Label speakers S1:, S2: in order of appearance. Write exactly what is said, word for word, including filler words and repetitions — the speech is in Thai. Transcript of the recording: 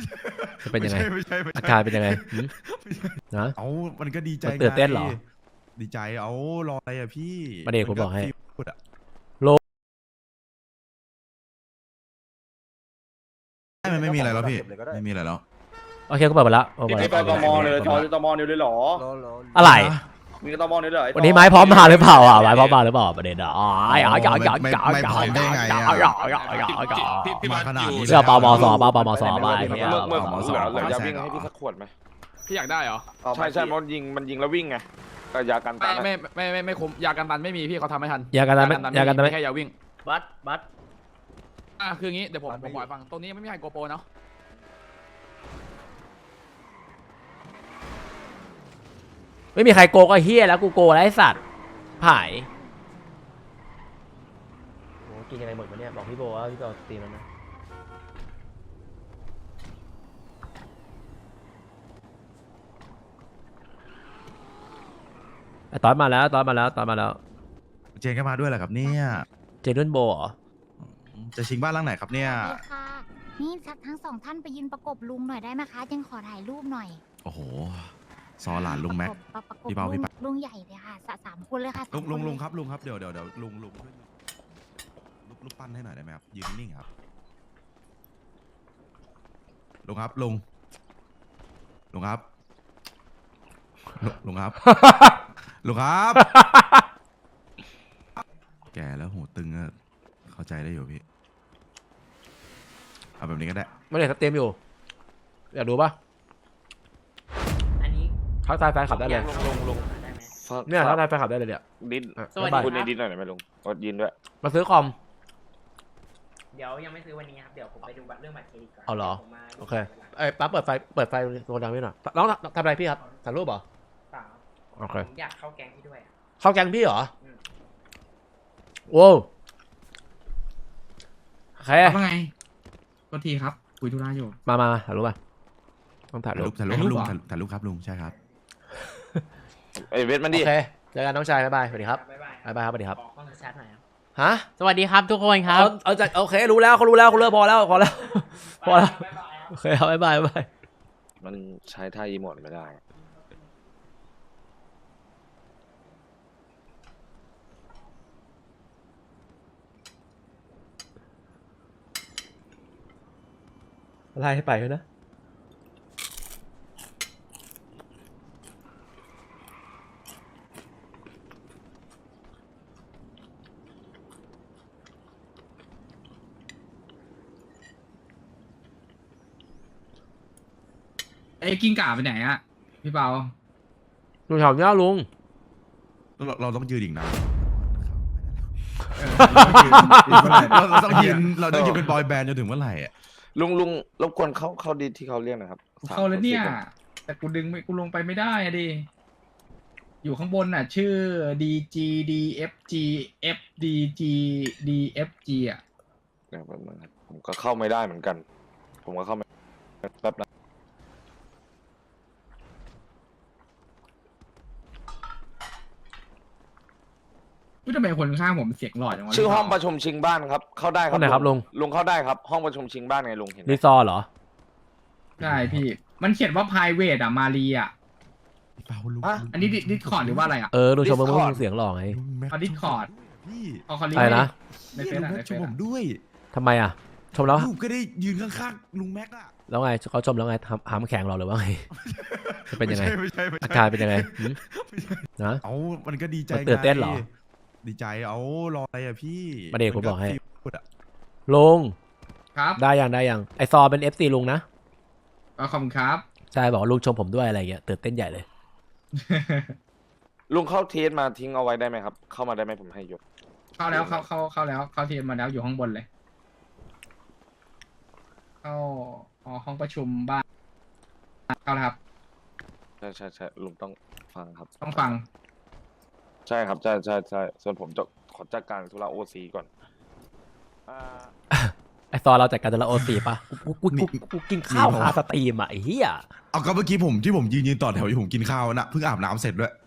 S1: จะเป็นยังไง
S2: ไม่ใช่ไม่ใช่
S1: อาการเป็นยังไงนะ
S2: เอามันก็ดีใจ
S1: มันตื่นเต้นเหรอ
S2: ดีใจเอารออะไรอะพี่
S1: ประเด็นผมบอกให้
S2: พูดอะ ไม่ไม่มีอะไรแล้วพี่ไม่มีอะไรแล้ว
S1: โอเคก็เปิดมาแล้วเปิด
S3: พี่
S1: มา
S3: ไป
S1: แล้ว
S3: ตมเลยจอจะตมเดียวเลยเหรอ
S1: อะไร
S3: มีตมเดียวเลย
S1: วันนี้ไม้พร้อมมาหรือเปล่าอ่ะไม้พร้อมมาหรือเปล่าประเด็นอ่ะอ๋ออย่าอย่าอย่าอย่าอย่า
S2: ไม่พร้อมได้ไงอะ
S1: อย่าอย่าอย่าอย่า
S4: พี่
S2: มาขนาดนี้
S1: เรื่องเปามอสอเปาปามอสอไป
S3: เมื่อเมื่อเหลือเหลือยาวิ่งให้พี่สักขวดไหม
S4: พี่อยากได้เหรอ
S3: ใช่ใช่มันยิงมันยิงแล้ววิ่งไงแต่ยากัน
S4: ไม่
S3: ตัน
S4: ไม่ไม่ไม่ไม่คุ้มยากันตันไม่มีพี่เขาทำไม่ทัน
S1: อย่ากันนะอย่ากันนะ
S4: แค่ยาวิ่ง
S5: บัสบัส
S4: อ่ะคืองี้เดี๋ยวผมผมบอกให้ฟังตรงนี้ไม่มีใครโกโปรเนาะ
S1: ไม่มีใครโกก็เฮี้ยแล้วกูโกแล้วไอ้สัตว์ผายโอ้กินยังไงหมดวะเนี่ยบอกพี่โบว่าพี่โบตีมันนะไอ้ตอนมาแล้วตอนมาแล้วตอนมาแล้ว
S2: เจนก็มาด้วยแหละครับเนี่ย
S1: เจนุ่นโบเหรอ
S2: จะชิงบ้านหลังไหนครับเนี่ย
S6: สวัสดีค่ะ นี่ทั้งสองท่านไปยืนประกบลุงหน่อยได้ไหมคะยังขอถ่ายรูปหน่อย
S2: โอ้โหซอหลานลุงแม็ก
S6: ประกบประกบ
S2: พี่เปาพี่
S6: ลุง
S2: เปา
S6: ลุงใหญ่เลยค่ะสะสามคนเลยค่ะ
S2: ลุง
S6: สามน
S2: ลุงลุง
S6: เย
S2: ครับลุงครับเดี๋ยวเดี๋ยวเดี๋ยวลุงลุงช่วยลุกลุกปั้นให้หน่อยได้ไหมครับยืนนิ่งๆครับลุงครับลุงลุงครับลุงลุงครับ ลุงครับ แก่แล้วหูตึงก็เข้าใจได้อยู่พี่เอาแบบนี้ก็ได้
S1: ไม่ได้สเต็มอยู่อยากดูปะ
S5: อันนี้
S1: ทักทายแฟนคลับได้เลย
S3: ลงลง
S5: ได้ไหม
S1: เนี่ยทักทายแฟนคลับได้เลยเนี่ย
S3: ดิน
S1: อ่ะ
S5: สวัสดี
S1: บ๊ายบาย
S3: คุณในดินหน่อยไหมลุงกดยินด้วย
S1: มาซื้อคอม
S5: เดี๋ยวยังไม่ซื้อวันนี้ครับ เดี๋ยวผมไปดูบัตรเรื่องบัตรเครดิตก่อน
S1: เอาเหรอ
S5: ผมมา
S1: โอเคไอ้ยปั๊บเปิดไฟเปิดไฟโซนดังนิดหน่อยน้องทำอะไรพี่ครับถ่ายรูปเหรอ
S5: เปล่า
S1: โอเค
S5: ผมอยากเข้าแก๊งพี่ด้วยอะ
S1: เข้าแกงพี่เหรอ
S5: อืม
S1: โว้วโอเค
S7: ว่าไงก็ทีครับ คุยธุระอยู่
S1: มามาถ่ายรูปป่ะต้องถ่าย
S2: ถ่าย
S1: รู
S2: รู
S1: ป
S2: ปถ่ายรูปครับลุง
S7: ถ่ายรูปเหรอ
S2: ถ่ายรูปครับลุงใช่ครับ
S3: เอ้ยเวทมัน
S1: โอ
S3: ดิ
S1: เคเจอกันน้องชายบ๊ายบายสวัสดีครับ
S5: บ๊ายบาย
S1: บ๊ายบายครับสวัสดีครับ
S5: ขอข้อมูลชัดหน่อยครับ
S1: ฮะ
S5: สวัสดีครับทุกคนครับ
S1: เอาเอาจากโอเครู้แล้วเขารู้แล้วเขาเลิกพอแล้วพอแล้วพอแล้ว
S5: บ๊ายบายครับ
S1: โอเคครับบ๊ายบายบ๊ายบาย
S3: มันใช้ท่าอีโมดไม่ได้
S1: ไล่ให้ไปเลยนะ
S7: เอ้ยกิ้งก่าไปไหนอะพี่เปา
S1: ลุงแถวเนี้ยลุง
S2: เราเราต้องยืนอีกนะ
S7: เออ
S2: เราเราต้องยืนเราต้องยืนเป็นบอยแบนด์จนถึงเมื่อไหร่อ่ะ
S3: ลุงลุงรบกวนเข้าเข้าดินที่เขาเรียกหนะครับ
S7: กูเข้าแล้วเนี่ย แต่กูดึงไม่กูลงไปไม่ได้อะดิ อยู่ข้างบนน่ะ ชื่อ ดี จี ดี เอฟ จี เอฟ ดี จี ดี เอฟ จี อ่ะ
S3: เดี๋ยวแป๊บนึงครับผมก็เข้าไม่ได้เหมือนกัน ผมก็เข้าไม่แป๊บนะ
S7: อุ๊ยทำไมคนข้างผมเสียงหลอดจังวะ
S3: ชื่อห้องป
S7: พี่เปา
S3: ระชุมชิงบ้านครับ เข้าได้ครั
S1: ห้องไหนครับลุง
S3: ลุงเข้าได้ครับ ห้องประชุมชิงบ้านไงลุงเห็นไหม
S1: รีซอร์เหรอ
S7: ใช่พี่ มันเขียนว่า private อ่ะ มารีอ่ะ
S2: พี่เปาลุง
S7: อันนี้ดิสคอร์ดหรือว่าอะไรอ่ะ
S1: เออลุงชมเมื่อกี้เสียงหล่อไง
S2: ลุงแม็ก
S7: เอา Discord
S2: พี่
S7: เอาคอลลี
S1: อะไรนะ
S7: ใน
S2: นี่
S7: เฟซ
S2: ลุง
S7: อ่ะ
S2: แม็
S7: ใน
S2: ก
S7: เฟ
S2: ชม
S7: ซ
S2: ผ
S7: อ่ะ
S2: มด้วย
S1: ทำไมอ่ะ ชมแล้ว
S2: ลูกก็ได้ยืนข้างๆลุงแม็กอะ
S1: แล้วไงเขาชมแล้วไงทำหามแข็งเราหรือว่าไงจะเป็นยังไง
S2: ไม่ใช่ไม่
S1: อา
S2: ใช่
S1: การเป็นยังไงหืมนะ
S2: เอามันก็ดีใจ
S1: มันตื่นเต้นเหรอ
S2: ไงดีใจเอารออะไรอะพี่
S1: ประเด็นผมบอกให้
S2: พูดอะ
S1: ลุง
S7: ครับ
S1: ได้ยังได้ยังไอซอเป็น เอฟ ซี ลุงนะ
S7: ก็ขอบคุณครับ
S1: ใช่บอกว่าลุงชมผมด้วยอะไรเงี้ยตื่นเต้นใหญ่เลย
S3: ลุงเข้าเทสมาทิ้งเอาไว้ได้ไหมครับ เข้ามาได้ไหมผมให้ยก
S7: เข้าแล้วเข้าเข้าเข้าแล้วเข้าทีมมาแล้วอยู่ข้างบนเลย เข้าอ๋อห้องประชุมบ้านเข้าแล้วครับ
S3: ใช่ใช่ใช่ลุงต้องฟังครับ
S7: ต้องฟัง
S3: ใช่ครับใช่ใช่ใช่ส่วนผมจะขอจัดการธุระโอซีก่อนอ่า
S1: ไอซอเราจัดการจะละโอสีป่ะกูกูกูกูกูกินข้าวคาสตรีมอ่ะไอ้เหี้ย
S2: เอาก็เมื่อกี้ผมที่ผมยืนยืนต่อแถวอยู่ผมกินข้าวนะเพิ่งอาบน้ำเสร็จด้วย